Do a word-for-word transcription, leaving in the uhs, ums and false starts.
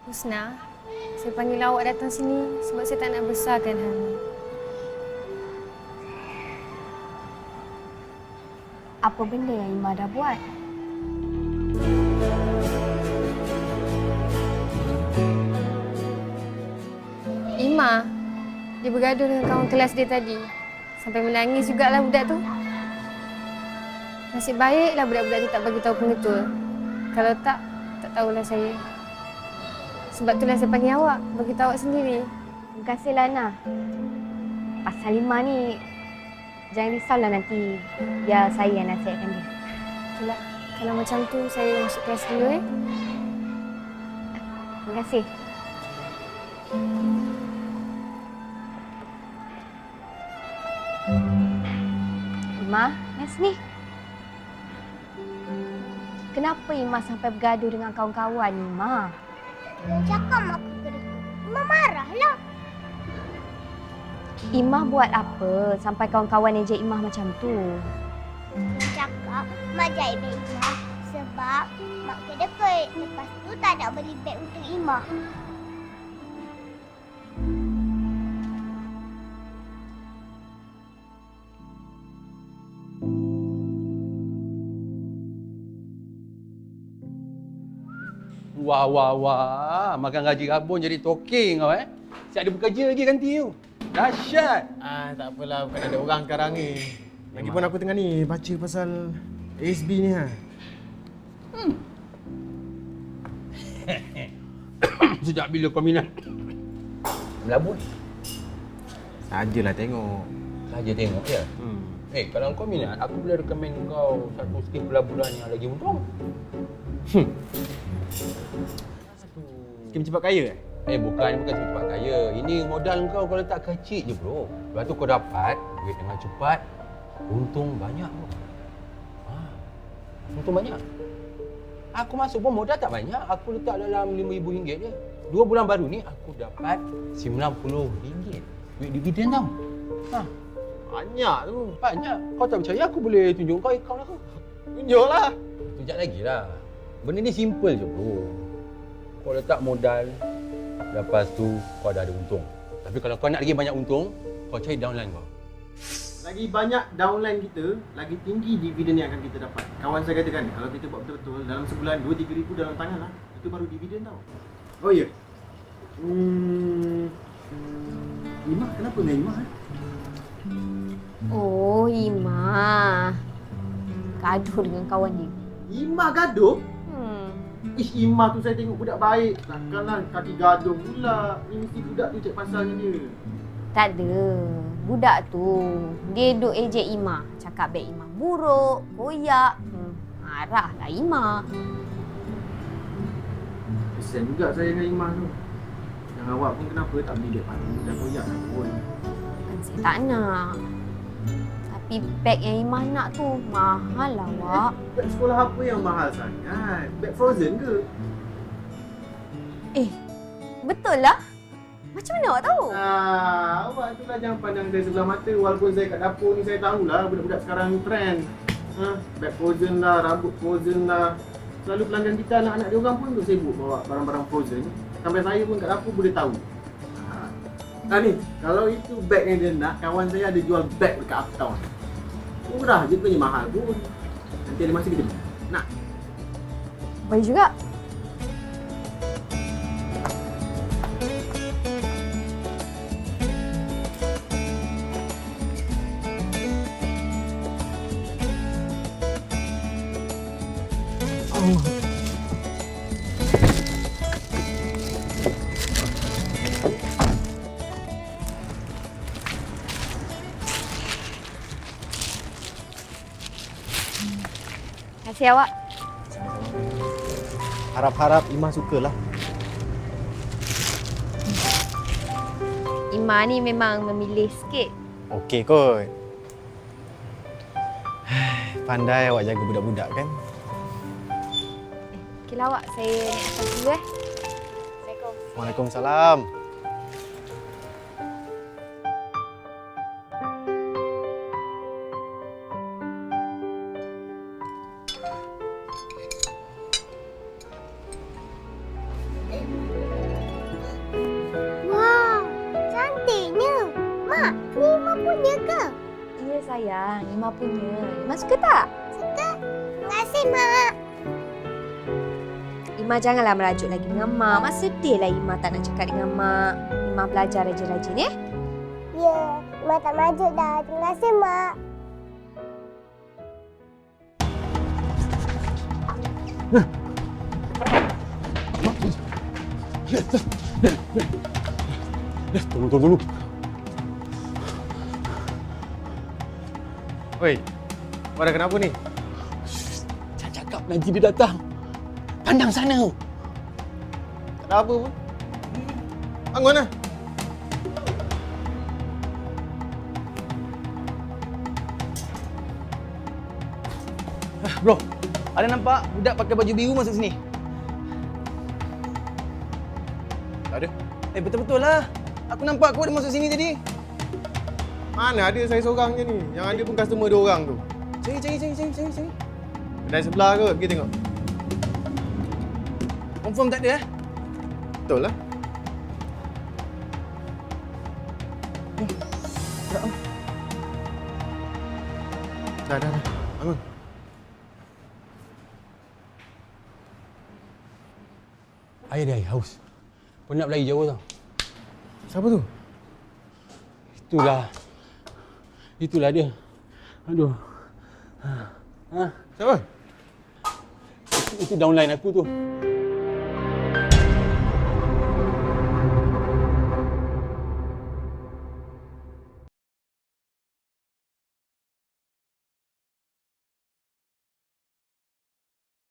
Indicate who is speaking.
Speaker 1: Husna, saya panggil awak datang sini sebab saya tak nak besarkan hal ni.
Speaker 2: Apa benda yang Ima dah buat?
Speaker 1: Ima, dia bergaduh dengan kawan kelas dia tadi. Sampai menangis jugalah budak tu. Nasib baiklah budak-budak tu tak bagi tahu pengetul. Kalau tak, tak tahulah saya. Sebab itulah saya panggil awak, bagi tahu awak sendiri.
Speaker 2: Terima kasih Lana. Pasal Ima ni, jangan risaulah nanti biar saya yang nasihatkan dia.
Speaker 1: Okeylah, kalau macam tu saya masuk kelas dulu eh.
Speaker 2: Terima kasih. Ima, Nas ni. Kenapa Ima sampai bergaduh dengan kawan-kawan Ima?
Speaker 3: Dia cakap mak aku kena. Ima marahlah.
Speaker 2: Ima buat apa sampai kawan-kawan ejek Ima macam tu?
Speaker 3: Dia cakap mak jahit beg Ima sebab mak kedekut. Lepas tu tak nak beli beg untuk Ima.
Speaker 4: Wah, wah, wah. Makan gaji rabun jadi toking kau eh. Siap ada bekerja lagi nanti tu. Dahsyat.
Speaker 5: Ah, tak apalah, bukan ada orang sekarang ni. Lagipun aku tengah ni baca pasal A S B ni ha.
Speaker 4: Hmm. Sejak bila kau minat melabur?
Speaker 5: Sajalah tengok.
Speaker 4: Saja tengok ya.
Speaker 5: Hmm.
Speaker 4: Eh, kalau kau minat, aku boleh recommend kau satu skip pelaburan yang lagi untung.
Speaker 5: Hmm. Skim cepat kaya eh?
Speaker 4: Eh, bukan, bukan cepat kaya. Ini modal kau kalau tak kecil je, bro. Lepas tu kau dapat duit dengan cepat, untung banyak, bro. Ha, untung banyak. Aku masuk pun modal tak banyak. Aku letak dalam lima ribu ringgit je. Dua bulan baru ni, aku dapat sembilan puluh ringgit. Duit dividen tau. Ha,
Speaker 5: Banyak tu.
Speaker 4: banyak. Kau tak percaya, aku boleh tunjuk kau akaun aku.
Speaker 5: Tunjuklah.
Speaker 4: Sekejap lagi lah. Benda ni simple je, bro. Kau letak modal, lepas tu kau dah ada untung. Tapi kalau kau nak lagi banyak untung, kau cari downline kau.
Speaker 5: Lagi banyak downline kita, lagi tinggi dividen yang akan kita dapat. Kawan saya katakan, kalau kita buat betul-betul, dalam sebulan dua tiga ribu dalam tangan lah. Itu baru dividen tau. Oh ya. Hmm. Ima, kenapa dengan Ima? Eh?
Speaker 2: Oh, Ima. Gaduh dengan kawan dia.
Speaker 5: Ima gaduh?
Speaker 2: Hmm.
Speaker 5: Ish, Ima tu saya tengok budak baik. Takkanlah kaki gaduh pula. Ni mesti budak tu cek pasalnya dia.
Speaker 2: Tak ada. Budak tu, dia duk ejek Ima. Cakap beg Ima buruk, koyak. Hmm. Marahlah Ima.
Speaker 5: Kesian juga saya dengan Ima tu. Yang awak pun kenapa tak beli beg baru dan koyak lah pun.
Speaker 2: Kan saya tak nak. Tapi beg yang Ima nak tu mahal lah, awak.
Speaker 5: Beg sekolah apa yang mahal sangat? Beg Frozen ke?
Speaker 2: Eh, betul lah. Macam mana awak tahu?
Speaker 5: Ah, awak tu lah jangan pandang dari sebelah mata. Walaupun saya kat dapur ni saya tahulah budak-budak sekarang ni trend. Ha, beg Frozen lah, rambut Frozen lah. Selalu pelanggan kita anak-anak dia orang pun tu sibuk bawa barang-barang Frozen. Sampai saya pun kat dapur boleh tahu. Ah ni, kalau itu beg yang dia nak, kawan saya ada jual beg dekat Uptown. Murah je, bukannya mahal pun. Nanti ada masa kita beli. Nak?
Speaker 2: Baik juga.
Speaker 5: Oh.
Speaker 2: Terima kasih awak.
Speaker 5: Harap-harap Ima sukalah.
Speaker 2: Ima ni memang memilih sikit.
Speaker 5: Okey kot. Pandai awak jaga budak-budak kan?
Speaker 2: Okeylah awak, saya naik atas dulu eh. Assalamualaikum.
Speaker 5: Waalaikumsalam.
Speaker 2: sayang. Ima punya. Ima suka tak?
Speaker 3: Suka. Terima kasih, Mak.
Speaker 2: Ima janganlah merajuk lagi dengan Mak. Mak sedihlah Ima tak nak cakap dengan Mak. Ima belajar rajin-rajin, eh?
Speaker 3: Ya, Mak tak merajuk dah. Terima kasih, Mak.
Speaker 4: Tolong, tolong, tolong.
Speaker 5: Oi, kau ada kenapa ni?
Speaker 4: Saya cakap nanti dia datang. Pandang sana.
Speaker 5: Tak ada apa pun. Bangun lah.
Speaker 6: Bro, ada nampak budak pakai baju biru masuk sini?
Speaker 5: Tak ada.
Speaker 6: Eh, betul-betul lah. Aku nampak kau ada masuk sini tadi.
Speaker 5: Mana ada saya seorang je ni. Yang ada pun customer dia orang tu.
Speaker 6: Cari, cari, cari, cari, cari, cari.
Speaker 5: Kedai sebelah ke? Pergi tengok.
Speaker 6: Confirm tak ada eh?
Speaker 5: Betul lah. Dah, dah, dah. Bangun.
Speaker 4: Air dia, air. Haus. Penat berlari jauh tau.
Speaker 5: Siapa tu?
Speaker 4: Itulah. Itulah dia. Aduh. Ha.
Speaker 5: Siapa?
Speaker 4: Itu, itu downline aku tu.